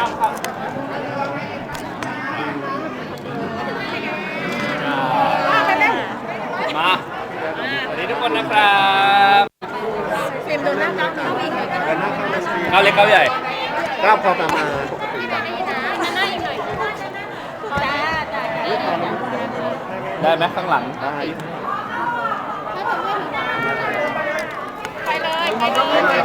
มาสวัสดีทุกคนนะครับฟิล์มดูหน้าก้าวเข้าอีกหน่อยกันหน้าเข้ามาซีก้าวเล็กก้าวใหญ่ก้าวพอประมาณปกติกันหน้าอีกหน่อยจ้าได้ไหมข้างหลังได้ไปเลยไปเลย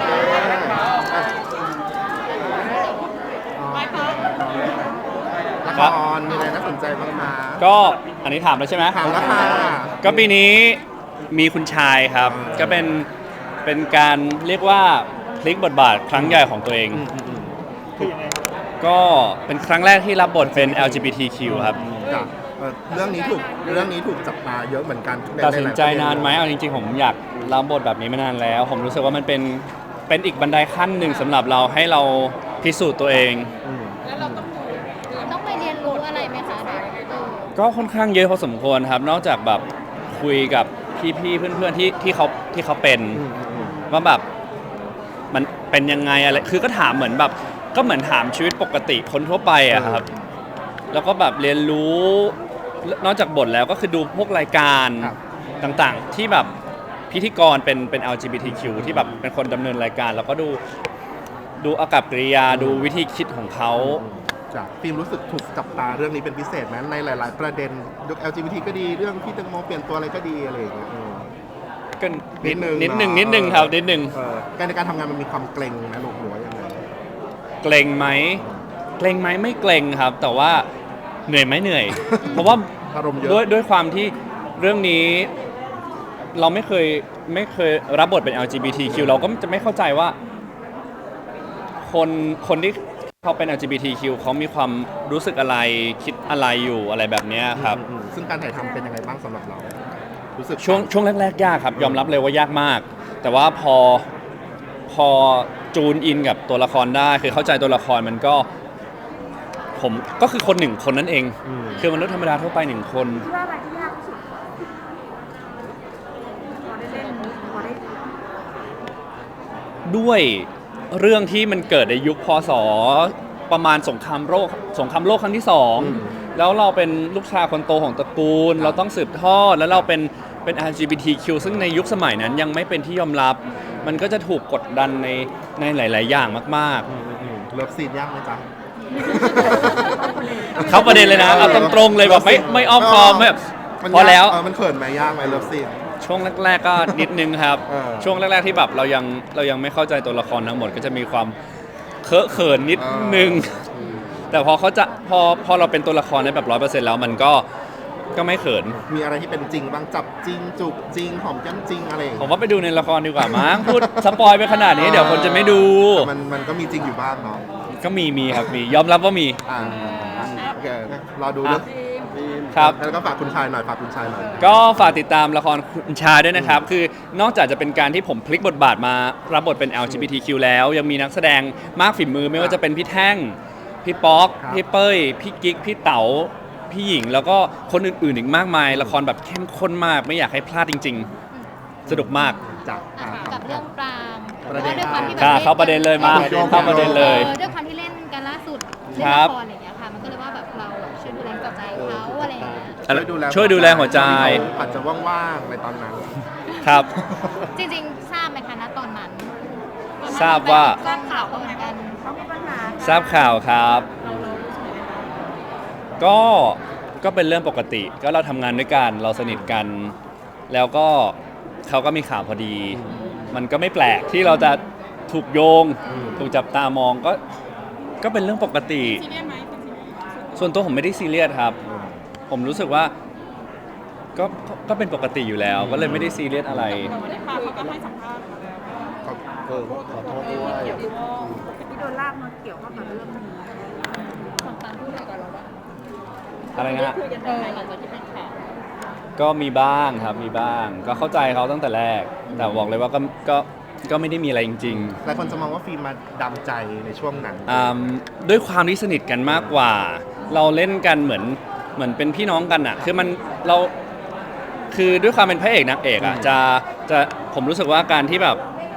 ละครมีอะไรน่าสนใจบ้างคะก็อันนี้ถามแล้วใช่ไหมถามแล้วค่ะก็ปีนี้มีคุณชายครับ ก็เป็นการเรียกว่าพลิกบทบาทครั้งใหญ่ของตัวเอง ก็เป็นครั้งแรกที่รับบทเป็น LGBTQ ครับจ้ะเรื่องนี้ถูกจับตาเยอะเหมือนกันตัดสินใจนานไหมเอาจริงๆผมอยากรับบทแบบนี้มานานแล้ว ผมรู้สึกว่ามันเป็นอีกบันไดขั้นหนึ่งสำหรับเราให้เราพิสูจน์ตัวเองแล้วเราต้องไปเรียนรู้อะไรไหมคะก็ค่อนข้างเยอะพอสมควรครับ นอกจากแบบคุยกับพี่ๆเพื่อนๆที่เขาเป็นว่าแบบมันเป็นยังไงอะไรคือก็ถามเหมือนแบบก็เหมือนถามชีวิตปกติคนทั่วไปอะครับ แล้วก็แบบเรียนรู้นอกจากบทแล้วก็คือดูพวกรายการต่างๆ ที่แบบพิธีกรเป็น LGBTQ ที่แบบเป็นคนดำเนินรายการ แล้วก็ดูอากัปกิริยาดูวิธีคิดของเขาจ้ะฟิล์มรู้สึกถูกจับตาเรื่องนี้เป็นพิเศษไหมในหลาย ๆ ประเด็นยก LGBT ก็ดีเรื่องที่แตงโมเปลี่ยนตัวอะไรก็ดีอะไรอย่างเงี้ยก็นิดนึงนิดนึงครับนิดนึงการในการทำงานมันมีความเกรงนะลูกหรือว่ายังไงเกรงไหมไม่เกรงครับ แต่ว่าเหนื่อยไหมเหนื่อย เพราะว่าอารมณ์เยอะด้วยความที่เรื่องนี้เราไม่เคยรับบทเป็น LGBTQ เราก็จะไม่เข้าใจว่าคนที่เขาเป็น LGBTQ เขามีความรู้สึกอะไรคิดอะไรอยู่อะไรแบบเนี้ยครับซึ่งการถ่ายทำเป็นยังไงบ้างสำหรับเรา รู้สึกช่วงแรกๆยากครับ ยอมรับเลยว่ายากมาก แต่ว่าพอจูนอินกับตัวละครได้คือเข้าใจตัวละครมันก็ผมก็คือคนหนึ่งคนนั่นเอง คือมนุษย์ธรรมดาทั่วไปหนึ่งคนคิดว่าอะไรที่ยากที่สุดพอได้เล่นพอได้ด้วยเรื่องที่มันเกิดในยุคพศประมาณสงครามโลกครั้งที่สองแล้วเราเป็นลูกชายคนโตของตระกูล เราต้องสืบทอดแล้วเราเป็น LGBTQ ซึ่งในยุคสมัยนั้นยังไม่เป็นที่ยอมรับ มันก็จะถูกกดดันในหลาย ๆ อย่างมากเลิฟซีนยากไหมจ๊ะๆ เข้าประเด็นเลยนะเอาตรงๆเลยแบบไม่อ้อมค้อมไม่แบบมันพอแล้วมันเขินไหมยากไหมเลิฟซีนช่วงแรก ๆ ก็นิดนึงครับเช่วงแรก ๆ ที่แบบเรายังไม่เข้าใจตัวละครทั้งหมดก็จะมีความเคอะเขินนิดนึง แต่พอเราเป็นตัวละครได้แบบ100%แล้วมันก็ไม่เขินมีอะไรที่เป็นจริงบ้างจับจริงจูบจริงหอมแก้มจริงอะไรอย่างผเงี้ยมว่าไปดูในละครดีกว่ามั้ง พูดสปอยไปขนาดนี้เดี๋ยวคนจะไม่ดูแต่มันก็มีจริงอยู่บ้างเนาะก็มีครับมียอมรับว่ามีโอเครอดูเรื่องครับแล้วก็ฝากคุณชายหน่อยฝากคุณชายหน่อยก็ฝากติดตามละครคุณชายด้วยนะครับ คือนอกจากจะเป็นการที่ผมพลิกบทบาทมารับบทเป็น LGBTQ แล้วยังมีนักแสดงมากฝีมือไม่ว่าจะเป็นพี่แท่ง พี่ป๊อกครับพี่เป้ย พี่กิ๊ก พี่เต๋า พี่หญิง แล้วก็คนอื่นๆอีกมากมาย ละครแบบเข้มข้นมาก ไม่อยากให้พลาดจริงๆ สนุกมากจ้ะกับเรื่องปรางประเด็นด้วยความที่แบบเข้าประเด็นเลยมา เข้าประเด็นเลยด้วยความที่เล่นกันล่าสุดเล่นครัละบครอย่างเงี้ยค่ะมันก็เลยว่าแบบเราช่วยดูแลกับใจเขาอะไรอย่างเงี้ยช่วยดูแลหัวใจอาจจะว่างๆในตอนนั้นครับจริงๆทราบไหมคะณตอนนั้นทราบว่าทราบข่าวเหมือนกันเขามีปัญหาทราบข่าวครับ ก็เป็นเรื่องปกติ ก็เราทำงานด้วยกัน เราสนิทกัน แล้วก็เขาก็มีข่าวพอดี มันก็ไม่แปลกที่เราจะถูกโยง ถูกจับตามองก็เป็นเรื่องปกติซีเรียสไหมส่วนตัวผมไม่ได้ซีเรียสครับ ผมรู้สึกว่าก็เป็นปกติอยู่แล้ว ก็เลยไม่ได้ซีเรียสอะไรวันนี้ปาเขาก็ให้สัมภาษณ์มาแล้วขอโทษด้วยที่โดนลากมาเกี่ยวข้องกับเรื่องนี้ฝั่งตามพูดอะไรกับเราบ้างอะไรนะคุยกันไหมหลังจากที่เป็นข่าวก็มีบ้างครับมีบ้าง ก็เข้าใจเขาตั้งแต่แรก แต่บอกเลยว่าก็ไม่ได้มีอะไรจริงหลายคนจะมองว่าฟิล์มมาดำใจในช่วงนั้นๆด้วยความที่สนิทกันมากกว่า เราเล่นกันเหมือนเป็นพี่น้องกันอ่ะคือเราคือด้วยความเป็นพระเอกนางเอกอ่ะจะผมรู้สึกว่าการที่แบบ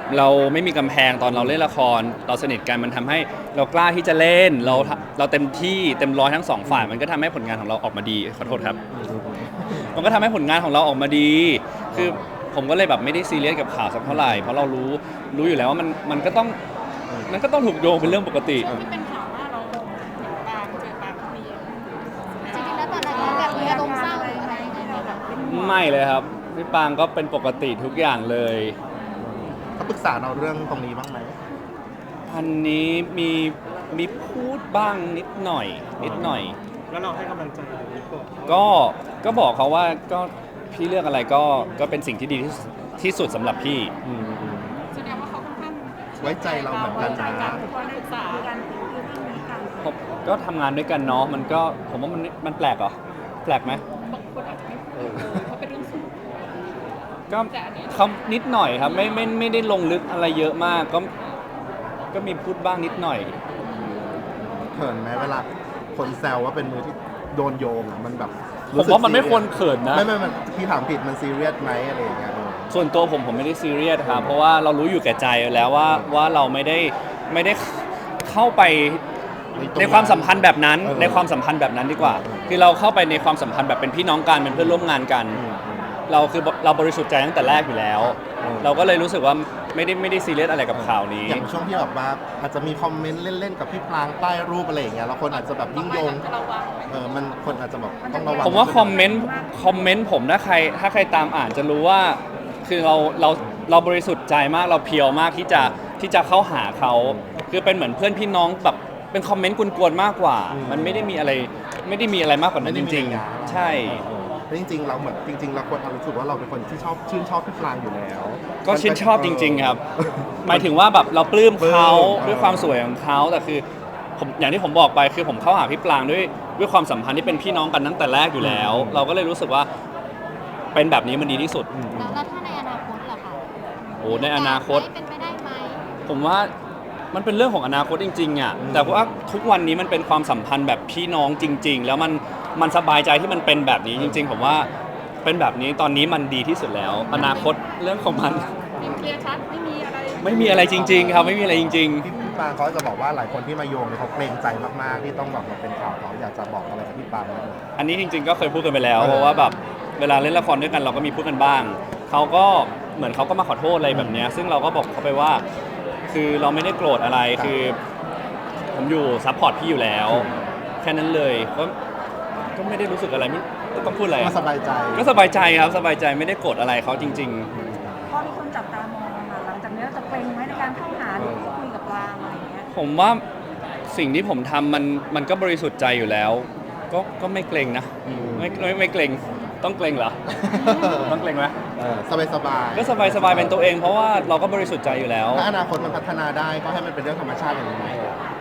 เราไม่มีกำแพงตอนเราเล่นละครเราสนิทกันมันทำให้เรากล้าที่จะเล่นเราเต็มที่เต็มร้อยทั้งสองฝ่ายมันก็ทำให้ผลงานของเราออกมาดีขอโทษครับ มันก็ทำให้ผลงานของเราออกมาดี คือผมก็เลยแบบไม่ได้ซีเรียสกับข่าวสักเท่าไหร่ เพราะเรารู้อยู่แล้วว่ามันก็ต้องถูกโยงเป็นเรื่องปกติที่เป็นข่าวว่าเราปางเจอปางคนนี้จริงๆแล้วตอนนั้นเราแบบมีอารมณ์เศร้าหรืออะไรยังไงไหมแบบไม่เลยครับพี่ปางก็เป็นปกติทุกอย่างเลยเขาปรึกษาเราเรื่องตรงนี้บ้างไหมอันนี้มีพูดบ้างนิดหน่อยแล้วเราให้กำลังใจหรือเปล่าก็บอกเขาว่าก็พี่เลือกอะไรก็เป็นสิ่งที่ดีที่สุดสำหรับพี่แสดงว่าเขาค่อนข้างไว้ใจเราเหมือนกันนะทุกคนได้ศึกษากันคือเรื่องนี้กันผมก็ทำงานด้วยกันเนาะมันก็ผมว่ามันแปลกเหรอแปลกไหมบางคนอาจจะไม่พูดเพราะเป็นเรื่องสูงก็เขานิดหน่อยครับไม่ได้ลงลึกอะไรเยอะมากก็มีพูดบ้างนิดหน่อยเขินไหมเวลาคนแซวว่าเป็นมือที่โดนโยงอะมันแบบผมว่ามันไม่ควรเขินนะไม่พี่ถามผิดมันซีเรียสไหมอะไรอย่างเงี้ยส่วนตัวผมไม่ได้ซีเรียสครับเพราะว่าเรารู้อยู่แก่ใจแล้วว่าเราไม่ได้เข้าไปในความสัมพันธ์แบบนั้นในความสัมพันธ์แบบนั้นดีกว่า คือเราเข้าไปในความสัมพันธ์แบบเป็นพี่น้องกันเป็นเพื่อนร่วมงานกัน เราบริสุทธิ์ใจตั้งแต่แรกอยู่แล้ว เราก็เลยรู้สึกว่าไม่ได้ซีเรียสอะไรกับข่าวนี้อย่างช่วงที่แบบว่าอาจจะมีคอมเมนต์เล่นๆกับพี่พลางใต้รูปอะไรอย่างเงี้ยแล้วคนอาจจะแบบยิ่งโยงจะระวังไหมมันคนอาจจะแบบต้องระวังผมว่าคอมเมนต์ผมถ้าใครตามอ่านจะรู้ว่าคือเราบริสุทธิ์ใจมากเราเพียวมากที่จะเข้าหาเขาคือเป็นเหมือนเพื่อนพี่น้องแบบเป็นคอมเมนต์กวนๆมากกว่า มันไม่ได้มีอะไรมากกว่านั้นจริงๆ ใช่แล้วจริงๆเราเหมือนจริงๆเราควรรู้สึกว่าเราเป็นคนที่ชื่นชอบพี่พลางอยู่แล้วก็ชื่นชอบจริง ๆ ครับ หมายถึงว่าแบบเราปลื้มเขาปลื้มด้วยความสวยของเขาแต่คือผมอย่างที่ผมบอกไปคือผมเข้าหาพี่ปลางด้วยความสัมพันธ์ที่เป็นพี่น้องกันตั้งแต่แรกอยู่แล้ว เราก็เลยรู้สึกว่าเป็นแบบนี้มันดีที่สุดแล้วถ้าในอนาคตล่ะคะโอ้ในอนาคตเป็นไปได้ไหมผมว่ามันเป็นเรื่องของอนาคตจริงๆอ่ะแต่ว่าทุกวันนี้มันเป็นความสัมพันธ์แบบพี่น้องจริง ๆ แล้วมันสบายใจที่มันเป็นแบบนี้จริง ๆ ผมว่าเป็นแบบนี้ตอนนี้มันดีที่สุดแล้ว อนาคตเรื่องของมันมีเคลียร์ชัดไม่มีอะไรไม่มีอะไรจริง ๆ ครับไม่มีอะไรจริงพี่ปางเขาจะบอกว่าหลายคนที่มาโยงเนี่ยเขาเกรงใจมากๆที่ต้องแบบมาเป็นข่าวเขาอยากจะบอกอะไรกับพี่ปางไหมๆ อันนี้จริง ๆ ก็เคยพูดกันไปแล้วเพราะว่าแบบเวลาเล่นละครด้วยกันเราก็มีพูดกันบ้างเขาก็เหมือนเขาก็มาขอโทษอะไรแบบเนี้ยซึ่งเราก็บอกเขาไปว่า คือเราไม่ได้โกรธอะไรคือผมอยู่ซัพพอร์ตพี่อยู่แล้วแค่นั้นเลยก็ไม่ได้รู้สึกอะไรไม่ต้องพูดอะไรมาสบายใจก็สบายใจครับสบายใจไม่ได้โกรธอะไรเขาจริงพอมีคนจับตามองมาหลังจากนี้เราจะเกรงไหมในการเข้าหาหรือพูดคุยกับปลางอะไรอย่างเงี้ยๆ ผมว่าสิ่งที่ผมทำมันก็บริสุทธิ์ใจอยู่แล้ว ก็ไม่เกรงนะไม่เกรงต้องเกรงเหรอ ต้องเกรงไหมสบายสบายก็สบายเป็นตัวเองเพราะว่าเราก็บริสุทธิ์ใจอยู่แล้วถ้าอนาคตมันพัฒนาได้ก็ให้มันเป็นเรื่องธรรมชาติอย่างนี้ไหม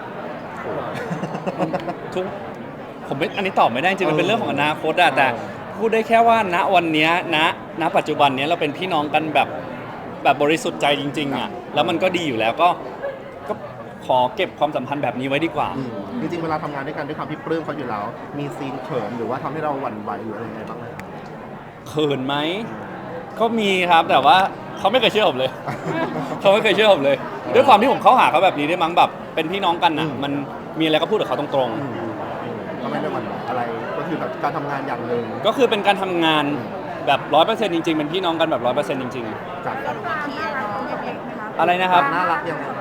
ทุกผมไม่อันนี้ตอบไม่ได้จริงๆมันเป็นเรื่องของอนาคตอะแต่พูดได้แค่ว่าณวันเนี้ยณปัจจุบันเนี้ยเราเป็นพี่น้องกันแบบบริสุทธิ์ใจจริงๆอะแล้วมันก็ดีอยู่แล้วก็ขอเก็บความสัมพันธ์แบบนี้ไว้ดีกว่าจริงๆเวลาทำงานด้วยกันด้วยความที่ปลื้มเขาอยู่แล้ว มีซีนเขินหรือว่าทำให้เราหวั่นไหวหรืออะไรยังไงบ้างไหมเขินไหมก็มีครับแต่ว่าเขาไม่เคยเชื่อผมเลย เขาไม่เคยเชื่อผมเลย ด้วยความที่ผมเข้าหาเขาแบบนี้ด้วยมั้งแบบเป็นพี่น้องกันอะมันมีอะไรก็พูดกับเขาตรงๆก็ไม่ได้หวั่นไหวอะไรก็คือแบบการทำงานอย่างหนึ่งก็คือเป็นการทำงานแบบ 100% จริงๆ เป็นพี่น้องกันแบบ 100% จริงจากการปลางน่ารักตัวเล็กๆไหมคะๆ อะไรนะครับน่ารักยังไง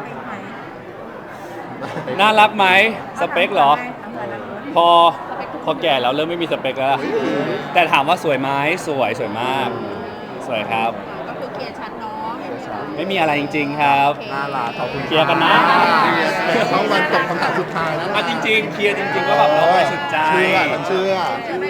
น่ารักไหมสเปคเหรอพอพอแก่แล้วเริ่มไม่มีสเปคแล้ว แต่ถามว่าสวยไหมสวยมาก สวยครับก็คือเคลียร์ชัดเนาะไม่มีอะไรจริง ๆ ครับน่ารักขอบคุณเคลียร์กันนะต้องวันตอบคำถามสุดท้ายแล้วจริงๆ เคลียร์จริง ๆ ก็แบบเราบริสุทธิ์ใจฉันเชื่อเชื่อไหม